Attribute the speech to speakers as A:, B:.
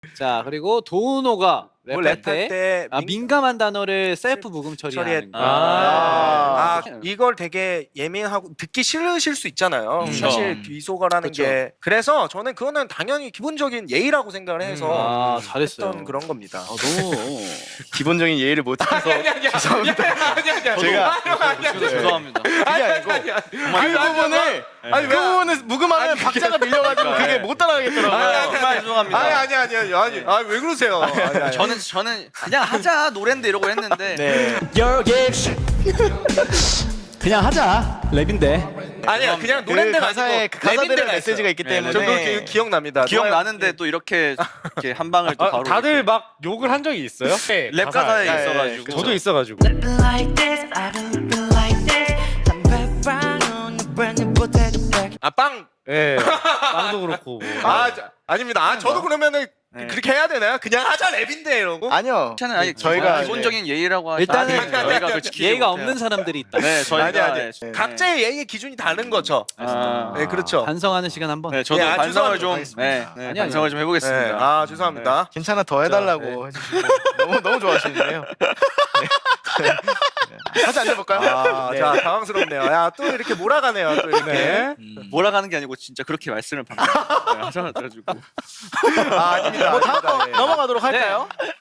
A: 자 그리고 도우노가
B: 뭐
A: 랩할
B: 랩할
A: 때
B: 때
A: 민감한 단어를 셀프 부금 처리하는 거.
B: 이걸 되게 예민하고 듣기 싫으실 수 있잖아요.
A: 그쵸.
B: 사실 비속어라는
A: 그쵸.
B: 게. 그래서 저는 그거는 당연히 기본적인 예의라고 생각을 해서
A: 잘했어요.
B: 했던 그런 겁니다.
A: 너무
C: 기본적인 예의를 못해서 죄송합니다. 제가
D: 죄송합니다.
C: 그게 아니고 그 부분을 그 부분을 묵음하면 박자가 밀려가지고 그게 못 따라가겠더라고요.
D: 정말 죄송합니다.
B: 아니 왜 그러세요?
D: 저는 그냥 하자 노랜데 이러고 했는데
C: 네.
E: 그냥 하자 랩인데.
B: 아니야 그냥
C: 그
B: 노래인데
C: 가사에 그 가사들의 메시지가 있기 때문에
B: 저 그거 기억납니다.
D: 기억나는데 또 이렇게 한 방을 또 바로
F: 다들
D: 이렇게
F: 막 욕을 한 적이 있어요?
D: 랩 가사에 있어가지고
F: 저도 있어가지고.
G: Living like this, I've been living like this. I'm back on the brand new potato bag.
B: 빵.
F: 예. 빵도 그렇고. 뭐.
B: 아닙니다. 저도 그러면은 그렇게 해야 되나요? 그냥 하자 랩인데 이러고.
C: 아니요.
D: 괜찮아요. 아니,
C: 저희가
D: 기본적인 예의라고 하죠.
A: 일단은
D: 저희가 그 지키지
A: 예의가
D: 못해요.
A: 없는 사람들이 있다.
D: 네, 저희가
B: 아니. 각자의 예의 기준이 다른 거죠. 네, 그렇죠.
A: 반성하는 시간 한번.
D: 네, 저도
B: 예,
D: 반성을
B: 죄송합니다.
D: 좀
A: 아니야,
D: 반성을 좀 해보겠습니다.
B: 죄송합니다.
C: 괜찮아 더 해달라고 해주시고 너무 좋아하시는데요. 다시 앉아볼까요? 네.
B: 자, 당황스럽네요. 야, 또 이렇게 몰아가네요. 또 이렇게.
D: 몰아가는 게 아니고 진짜 그렇게 말씀을 방금 하셔가지고
B: 아닙니다.
C: 뭐 다음 거
B: 예.
C: 넘어가도록 할까요?